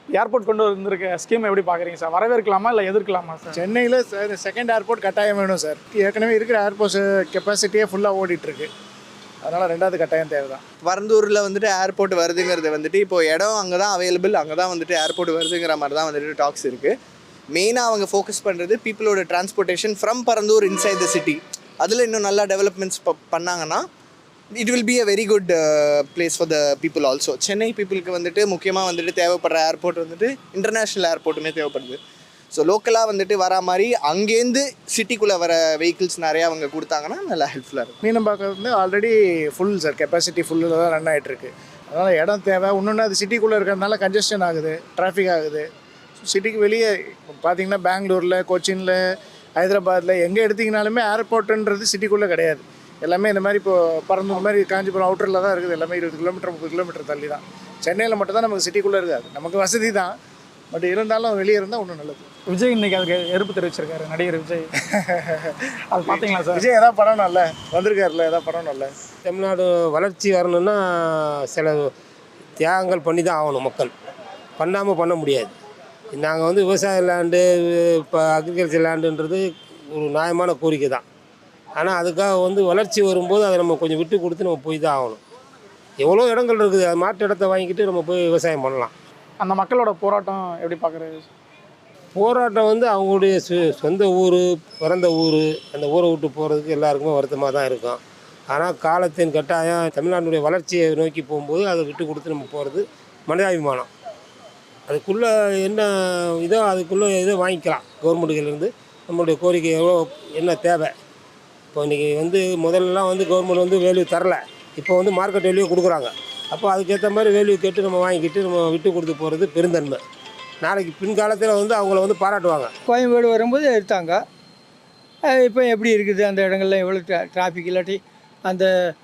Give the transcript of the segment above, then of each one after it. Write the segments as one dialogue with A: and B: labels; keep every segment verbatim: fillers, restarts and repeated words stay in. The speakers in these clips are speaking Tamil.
A: ஏர்போர்ட் கொண்டு வந்திருக்க ஸ்கீம் எப்படி பார்க்குறீங்க சார்? வரவேற்கலாமா இல்லை எதிர்க்கலாமா சார்?
B: சென்னையில் சார் செகண்ட் ஏர்போர்ட் கட்டாயம் வேணும் சார். ஏற்கனவே இருக்கிற ஏர்போர்ட்ஸ் கெப்பாசிட்டியே ஃபுல்லாக ஓடிட்டுருக்கு. அதனால் ரெண்டாவது கட்டாயம் தேவை தான்.
C: பரந்தூரில் வந்துட்டு ஏர்போர்ட் வருதுங்கிறது வந்துட்டு இப்போ இடம் அங்கே தான் அவைலபிள், அங்கே தான் வந்துட்டு ஏர்போர்ட் வருதுங்கிற மாதிரி தான் வந்துட்டு டாக்ஸ் இருக்குது. மெயினாக அவங்க ஃபோக்கஸ் பண்ணுறது பீப்புளோட transportation from Parandur inside the city. அதில் இன்னும் நல்லா டெவலப்மெண்ட்ஸ் பண்ணாங்கன்னா it will be a very good place for the people also. Chennai பீப்புளுக்கு வந்துட்டு முக்கியமாக வந்துட்டு தேவைப்படுற ஏர்போர்ட் வந்துட்டு இன்டர்நேஷ்னல் ஏர்போர்ட்டுமே தேவைப்படுது. ஸோ லோக்கலாக வந்துட்டு வர மாதிரி அங்கேருந்து சிட்டிக்குள்ளே வர வெஹிக்கிள்ஸ் நிறையா அவங்க கொடுத்தாங்கன்னா நல்லா ஹெல்ப்ஃபுல்லாக இருக்கும்.
B: மீனம்பாக்கம் வந்து ஆல்ரெடி ஃபுல் சார், கெப்பாசிட்டி ஃபுல்லில் தான் ரன் ஆகிட்டுருக்கு. அதனால் இடம் தேவை. இன்னொன்று அது சிட்டிக்குள்ளே இருக்கிறதுனால கன்ஜெஷன் ஆகுது, டிராஃபிக் ஆகுது. சிட்டிக்கு வெளியே பார்த்தீங்கன்னா பெங்களூரில், கொச்சினில், ஹைதராபாத்தில் எங்கே எடுத்திங்கனாலுமே ஏர்போர்ட்டுன்றது சிட்டிக்குள்ளே கிடையாது. எல்லாமே இந்த மாதிரி இப்போ பரந்தூர் மாதிரி காஞ்சிபுரம் அவுட்டரில் தான் இருக்குது. எல்லாமே இருபது கிலோமீட்டர் முப்பது கிலோமீட்டர் தள்ளி தான். சென்னையில் மட்டும் தான் நமக்கு சிட்டிக்குள்ளே இருக்காது. நமக்கு வசதி தான், பட் இருந்தாலும் வெளியே இருந்தால் ஒன்றும் நல்லது.
A: விஜய் இன்னைக்கு அதுக்கு எதிர்ப்பு தெரிவிச்சிருக்காரு, நடிகர் விஜய். அது பார்த்தீங்களா சார்?
B: விஜய் எதாவது பண்ணணும்ல, வந்திருக்காருல, எதாவது பண்ணணும்ல.
D: தமிழ்நாடு வளர்ச்சி வரணும்னா சில தியாகங்கள் பண்ணி தான் ஆகணும். மக்கள் பண்ணாமல் பண்ண முடியாது. நாங்கள் வந்து விவசாய லேண்டு, இப்போ அக்ரிகல்ச்சர் லேண்டுன்றது ஒரு நியாயமான கோரிக்கை தான். ஆனால் அதுக்காக வந்து வளர்ச்சி வரும்போது அதை நம்ம கொஞ்சம் விட்டு கொடுத்து நம்ம போய் தான் ஆகணும். எவ்வளோ இடங்கள் இருக்குது, அது மாட்டு இடத்த வாங்கிக்கிட்டு நம்ம போய் விவசாயம் பண்ணலாம்.
A: அந்த மக்களோட போராட்டம் எப்படி பார்க்குறது?
D: போராட்டம் வந்து அவங்களுடைய சொ சொந்த ஊர், பிறந்த ஊர், அந்த ஊரை விட்டு போகிறதுக்கு எல்லாருக்குமே வருத்தமாக தான் இருக்கும். ஆனால் காலத்தின் கட்டாயம் தமிழ்நாட்டுடைய வளர்ச்சியை நோக்கி போகும்போது அதை விட்டு கொடுத்து நம்ம போகிறது மனிதாபிமானம். அதுக்குள்ளே என்ன இதோ அதுக்குள்ளே இதோ வாங்கிக்கலாம். கவர்மெண்ட்டுலேருந்து நம்மளுடைய கோரிக்கை எவ்வளோ என்ன தேவை. இப்போ இன்றைக்கி வந்து முதல்லலாம் வந்து கவர்மெண்ட் வந்து வேல்யூ தரல, இப்போ வந்து மார்க்கெட் வேல்யூ கொடுக்குறாங்க. அப்போ அதுக்கேற்ற மாதிரி வேல்யூ கேட்டு நம்ம வாங்கிக்கிட்டு நம்ம விட்டு கொடுத்து போகிறது பெருந்தன்மை. நாளைக்கு பின்காலத்தில் வந்து அவங்கள வந்து பாராட்டுவாங்க.
E: கோயம்பேடு வரும்போது எடுத்தாங்க. இப்போ எப்படி இருக்குது அந்த இடங்கள்லாம் எவ்வளோ ட்ரா டிராஃபிக் இல்லாட்டி அந்த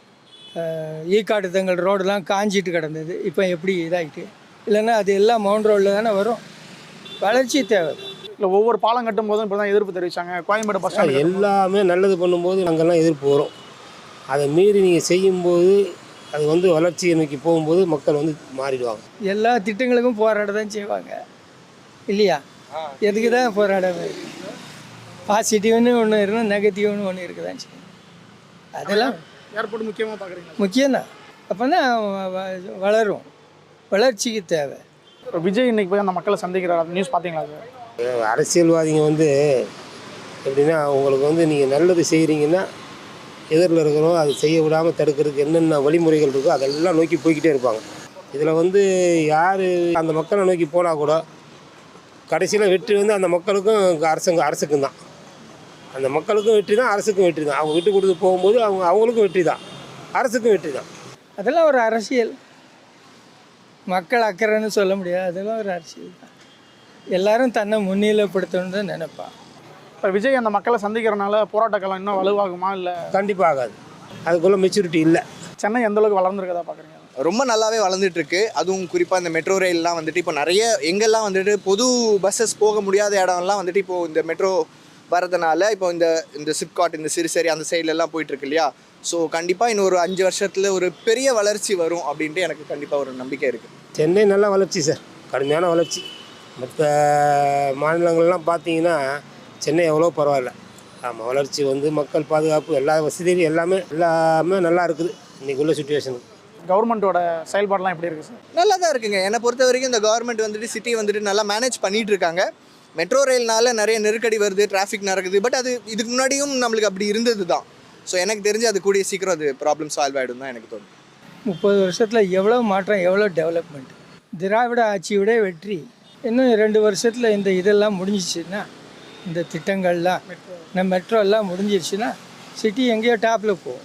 E: ஈக்காட்டு தங்கள் ரோடெல்லாம் காஞ்சிட்டு கிடந்தது. இப்போ எப்படி இதாகிட்டு இல்லைன்னா அது எல்லாம் மவுண்ட் ரோடில் தானே வரும். வளர்ச்சி தேவை.
A: இல்லை ஒவ்வொரு பாலம் கட்டும் போதும் இப்போ தான் எதிர்ப்பு தெரிவித்தாங்க. கோயம்பேடு பஸ் ஸ்டாண்ட்
D: எல்லாமே நல்லது பண்ணும்போது அங்கெல்லாம் எதிர்ப்பு வரும். அதை மீறி நீங்கள் செய்யும்போது அது வந்து வளர்ச்சியை நோக்கி போகும்போது மக்கள் வந்து மாறிடுவாங்க.
E: எல்லா திட்டங்களுக்கும் போராட தான் செய்வாங்க இல்லையா? எதுக்கு தான் போராட? பாசிட்டிவ்னு ஒன்று இருக்கணும், நெகட்டிவ்னு ஒன்று இருக்க தான் செய்யும். அதெல்லாம்
A: ஏர்போர்ட் முக்கியமாக பார்க்குறீங்களா?
E: முக்கியம்தான். அப்போ தான் வளரும். வளர்ச்சிக்கு தேவை.
A: விஜய் இன்னைக்கு போய் அந்த மக்களை சந்திக்கிறார், நியூஸ் பார்த்தீங்களா சார்?
D: அரசியல்வாதிங்க வந்து எப்படின்னா உங்களுக்கு வந்து நீங்கள் நல்லது செய்கிறீங்கன்னா எதிரில் இருக்கிறோம் அதை செய்ய விடாமல் தடுக்கிறதுக்கு என்னென்ன வழிமுறைகள் இருக்கோ அதெல்லாம் நோக்கி போய்கிட்டே இருப்பாங்க. இதில் வந்து யார் அந்த மக்களை நோக்கி போனால் கூட கடைசியில் வெற்றி வந்து அந்த மக்களுக்கும் அரசுங்க அரசுக்கும் தான். அந்த மக்களுக்கும் வெற்றி தான், அரசுக்கும் வெற்றி தான். அவங்க விட்டு கொடுத்து போகும்போது அவங்க அவங்களுக்கும் வெற்றி தான், அரசுக்கும் வெற்றி தான்.
E: அதெல்லாம் ஒரு அரசியல். மக்கள் அக்கறைன்னு சொல்ல முடியாது. அதெல்லாம் ஒரு அரசியல் தான். எல்லாரும் தன்னை முன்னிலைப்படுத்தணும்னு தான் நினைப்பான்.
A: இப்போ விஜய் அந்த மக்களை சந்திக்கிறனால போராட்டக்காலம் இன்னும் வலுவாகுமா? இல்லை
D: கண்டிப்பாக ஆகாது. அதுக்குள்ளே மெச்சூரிட்டி இல்லை.
A: சென்னை எந்த அளவுக்கு வளர்ந்துருக்கதா பார்க்குறீங்க?
C: ரொம்ப நல்லாவே வளர்ந்துட்டு இருக்கு. அதுவும் குறிப்பாக இந்த மெட்ரோ ரயில்லாம் வந்துட்டு இப்போ நிறைய எங்கெல்லாம் வந்துட்டு பொது பஸ்ஸஸ் போக முடியாத இடம்லாம் வந்துட்டு இப்போது இந்த மெட்ரோ வரதுனால இப்போ இந்த இந்த சிப்காட், இந்த சிறுசேரி அந்த சைட்லலாம் போயிட்டுருக்கு இல்லையா? ஸோ கண்டிப்பாக இன்னும் ஒரு அஞ்சு வருஷத்தில் ஒரு பெரிய வளர்ச்சி வரும் அப்படின்ட்டு எனக்கு கண்டிப்பாக ஒரு நம்பிக்கை இருக்குது.
D: சென்னை நல்ல வளர்ச்சி சார், கடுமையான வளர்ச்சி. மற்ற மாநிலங்கள்லாம் பார்த்தீங்கன்னா சென்னை எவ்வளோ பரவாயில்ல. ஆமாம், வளர்ச்சி வந்து மக்கள் பாதுகாப்பு எல்லா வசதியும் எல்லாமே எல்லாமே நல்லா இருக்குது இன்றைக்கி உள்ள சுச்சுவேஷனுக்கு.
A: கவர்மெண்ட்டோட செயல்பாடெலாம் எப்படி இருக்குது சார்?
C: நல்லா தான் இருக்குங்க. என்னை பொறுத்த வரைக்கும் இந்த கவர்மெண்ட் வந்துட்டு சிட்டியை வந்துட்டு நல்லா மேனேஜ் பண்ணிகிட்டு இருக்காங்க. மெட்ரோ ரயில்னால நிறைய நெருக்கடி வருது, டிராஃபிக் நடக்குது. பட் அது இதுக்கு முன்னாடியும் நம்மளுக்கு அப்படி இருந்தது தான். ஸோ எனக்கு தெரிஞ்சு அது கூடிய சீக்கிரம் அது ப்ராப்ளம் சால்வ் ஆகிடும் தான் எனக்கு தோணும்.
E: முப்பது வருஷத்தில் எவ்வளோ மாற்றம், எவ்வளோ டெவலப்மெண்ட். திராவிட ஆட்சியோட வெற்றி. இன்னும் ரெண்டு வருஷத்தில் இந்த இதெல்லாம் முடிஞ்சிச்சுன்னா, இந்த திட்டங்கள்லாம் நம்ம மெட்ரோ எல்லாம் முடிஞ்சிருச்சுன்னா சிட்டி எங்கேயோ டாப்பில் போகும்.